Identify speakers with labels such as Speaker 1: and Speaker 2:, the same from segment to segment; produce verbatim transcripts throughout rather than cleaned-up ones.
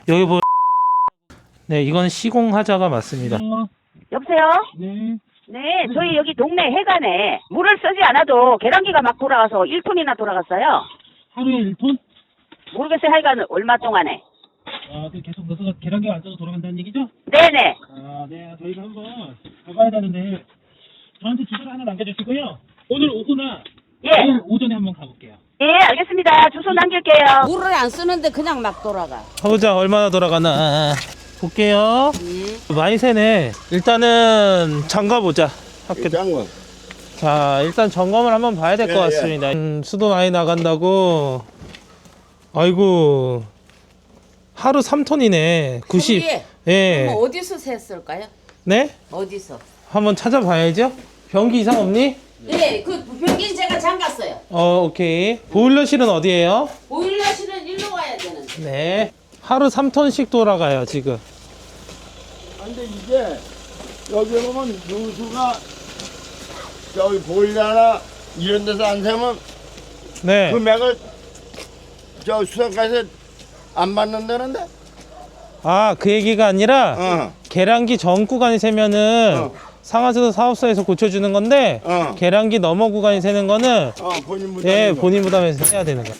Speaker 1: 여기 보 네, 이건 시공하자가 맞습니다.
Speaker 2: 여보세요?
Speaker 1: 네.
Speaker 2: 네, 저희 여기 동네 해관에 물을 쓰지 않아도 계량기가 막 돌아가서 일 톤이나 돌아갔어요.
Speaker 1: 하루에 일 톤?
Speaker 2: 모르겠어요. 하여간 얼마 동안에.
Speaker 1: 아, 그 계속 넣어서 계란기가 안 떠서 돌아간다는 얘기죠?
Speaker 2: 네네.
Speaker 1: 아, 네. 저희가 한번 가봐야 되는데 저한테 주소를 하나 남겨주시고요. 오늘 오후나
Speaker 2: 예.
Speaker 1: 내일 오전에 한번 가볼게요.
Speaker 2: 예, 알겠습니다. 주소 남길게요.
Speaker 3: 물을 안 쓰는데 그냥 막 돌아가.
Speaker 1: 가보자. 얼마나 돌아가나. 볼게요.
Speaker 3: 예.
Speaker 1: 많이 새네. 일단은 잠가보자. 학교.
Speaker 4: 짱거.
Speaker 1: 자, 일단 점검을 한번 봐야 될 것
Speaker 4: 예, 예.
Speaker 1: 같습니다. 음, 수도 많이 나간다고. 아이고. 하루 삼 톤이네. 구십.
Speaker 3: 거기에
Speaker 1: 예.
Speaker 3: 그럼 어디서 샜을까요?
Speaker 1: 네?
Speaker 3: 어디서?
Speaker 1: 한번 찾아봐야죠. 변기 이상 없니?
Speaker 3: 예, 그 변기는 제가 잠갔어요.
Speaker 1: 어, 오케이. 보일러실은 어디예요?
Speaker 3: 보일러실은 일로 가야 되는데.
Speaker 1: 네. 하루 삼 톤씩 돌아가요, 지금.
Speaker 4: 근데 이게 여기 보면 누수가 저기 보일러나 이런 데서 안 세면
Speaker 1: 네.
Speaker 4: 금액을 저 수도가에서 안 받는다는데?
Speaker 1: 아, 그 얘기가 아니라
Speaker 4: 어,
Speaker 1: 계량기 전 구간이 세면은
Speaker 4: 어.
Speaker 1: 상하수도 사업소에서 고쳐주는 건데
Speaker 4: 어.
Speaker 1: 계량기 넘어 구간이 세는 거는
Speaker 4: 어, 본인 부담.
Speaker 1: 예, 본인 부담해서 해야 되는 거야.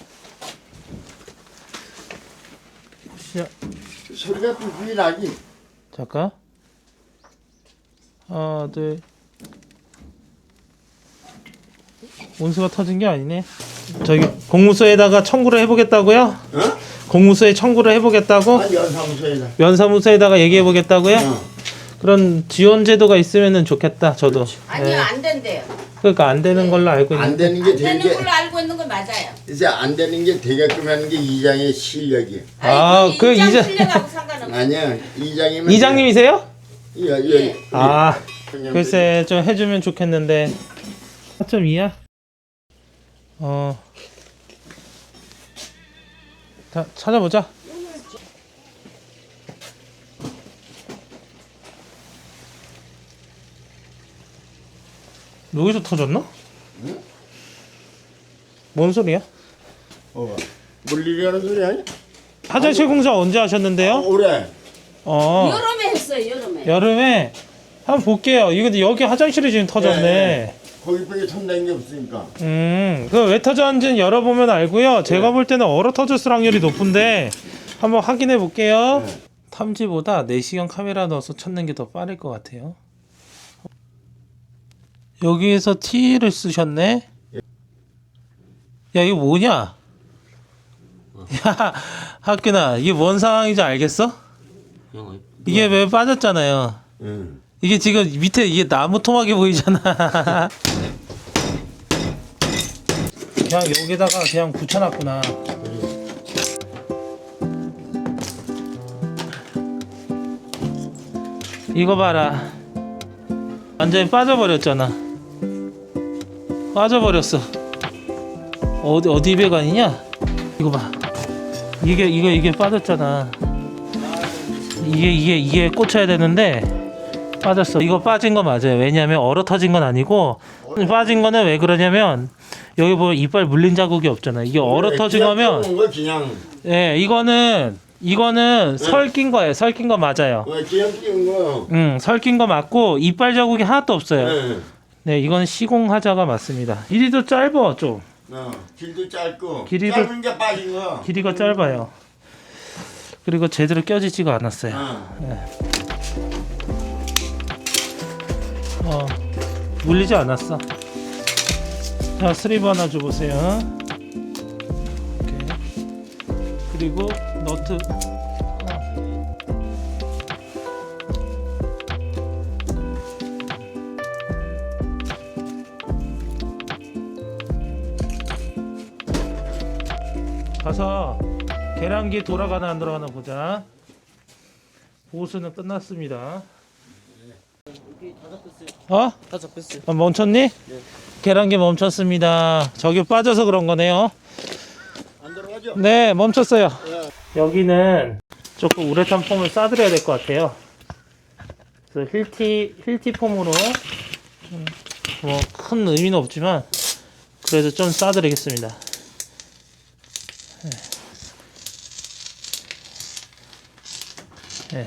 Speaker 1: 시작.
Speaker 4: 소리가 삐삐 나기.
Speaker 1: 잠깐. 하나, 둘. 온수가 터진 게 아니네. 저기 공무소에다가 청구를 해보겠다고요?
Speaker 4: 어?
Speaker 1: 공무소에 청구를 해보겠다고?
Speaker 4: 아, 연사무소에다.
Speaker 1: 면사무소에다가 얘기해보겠다고요?
Speaker 4: 어.
Speaker 1: 그런 지원 제도가 있으면 좋겠다. 저도.
Speaker 3: 아니요,
Speaker 1: 예.
Speaker 3: 안 된대요.
Speaker 1: 그러니까 안 되는 걸로 알고
Speaker 4: 안
Speaker 1: 있는데.
Speaker 4: 되는 게
Speaker 3: 안 되는
Speaker 4: 되게
Speaker 3: 걸로 알고 있는 거 맞아요.
Speaker 4: 이제 안 되는 게 되게끔 하는 게 이장의 실력이야.
Speaker 1: 아,
Speaker 3: 아니,
Speaker 1: 그
Speaker 3: 그 이장
Speaker 1: 이장-
Speaker 3: 실력하고 상관없어.
Speaker 4: 아니야, 이장이면
Speaker 1: 이장님이세요?
Speaker 4: 예, 예.
Speaker 3: 예.
Speaker 1: 아, 글쎄 좀 해주면 좋겠는데. 사 점 이야? 어. 자, 찾아보자. 여기서 터졌나?
Speaker 4: 응?
Speaker 1: 뭔 소리야?
Speaker 4: 어, 물리려는 소리 아니야?
Speaker 1: 화장실 공사 언제
Speaker 4: 어,
Speaker 1: 하셨는데요?
Speaker 4: 올해.
Speaker 1: 어,
Speaker 3: 여름에 했어요, 여름에.
Speaker 1: 여름에 한번 볼게요. 이거 근데 여기 화장실이 지금 터졌네.
Speaker 4: 예, 거기 밖에 턴다는 게 없으니까.
Speaker 1: 음, 그 왜 터졌는지는 열어보면 알고요. 제가 볼 때는 얼어 터졌을 확률이 높은데 한번 확인해 볼게요.
Speaker 4: 네.
Speaker 1: 탐지보다 내시경 카메라 넣어서 찾는 게 더 빠를 것 같아요. 여기에서 T를 쓰셨네. 야, 이거 뭐냐? 야, 학균아, 이게 뭔 상황인지 알겠어? 이게 왜 빠졌잖아요.
Speaker 4: 응.
Speaker 1: 이게 지금 밑에 이게 나무 토막이 보이잖아. 그냥 여기다가 그냥 붙여놨구나. 이거 봐라. 완전히 빠져버렸잖아. 빠져버렸어. 어디 어디 배관이냐? 이거 봐. 이게 이거 이게 빠졌잖아. 이게 이게 이게 꽂혀야 되는데 빠졌어. 이거 빠진 거 맞아요. 왜냐면 얼어 터진 건 아니고 빠진 거는 왜 그러냐면 여기 보면 이빨 물린 자국이 없잖아. 이게 얼어 터진
Speaker 4: 그냥
Speaker 1: 거면
Speaker 4: 띄운 거 그냥
Speaker 1: 예, 이거는 이거는 설낀 거예요. 설낀 거 맞아요.
Speaker 4: 어, 그냥 띄운 거.
Speaker 1: 응, 설낀 거 맞고 이빨 자국이 하나도 없어요.
Speaker 4: 네.
Speaker 1: 네, 이건 시공하자가 맞습니다. 길이도 짧아 좀.
Speaker 4: 어, 길도 짧고
Speaker 1: 길이도-
Speaker 4: 짧은 게 빠진 거.
Speaker 1: 길이가 짧아요. 그리고 제대로 껴지지가 않았어요.
Speaker 4: 어.
Speaker 1: 어, 물리지 않았어. 자, 스리브 하나 줘보세요. 이렇게. 그리고 너트. 어. 가서 계량기 돌아가나 안 돌아가나 보자. 보수는 끝났습니다. 어?
Speaker 5: 다 잡혔어요.
Speaker 1: 아, 멈췄니? 계란기 멈췄습니다. 저기 빠져서 그런 거네요.
Speaker 4: 안 들어가죠?
Speaker 1: 네, 멈췄어요. 여기는 조금 우레탄 폼을 싸드려야 될 것 같아요. 그래서 힐티 힐티 폼으로 뭐 큰 의미는 없지만 그래도 좀 싸드리겠습니다. 네.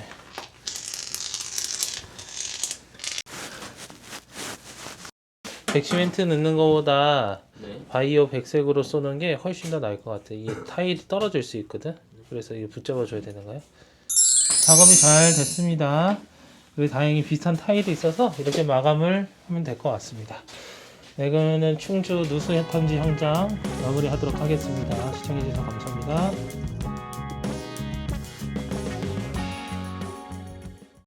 Speaker 1: 백시멘트 넣는 거보다
Speaker 5: 네.
Speaker 1: 바이오 백색으로 쏘는 게 훨씬 더 나을 것 같아. 이 타일이 떨어질 수 있거든. 그래서 이거 붙잡아 줘야 되는 거야. 작업이 잘 됐습니다. 그리고 다행히 비슷한 타일이 있어서 이렇게 마감을 하면 될 것 같습니다. 네, 이거는 충주 누수 탐지 현장 마무리하도록 하겠습니다. 시청해주셔서 감사합니다.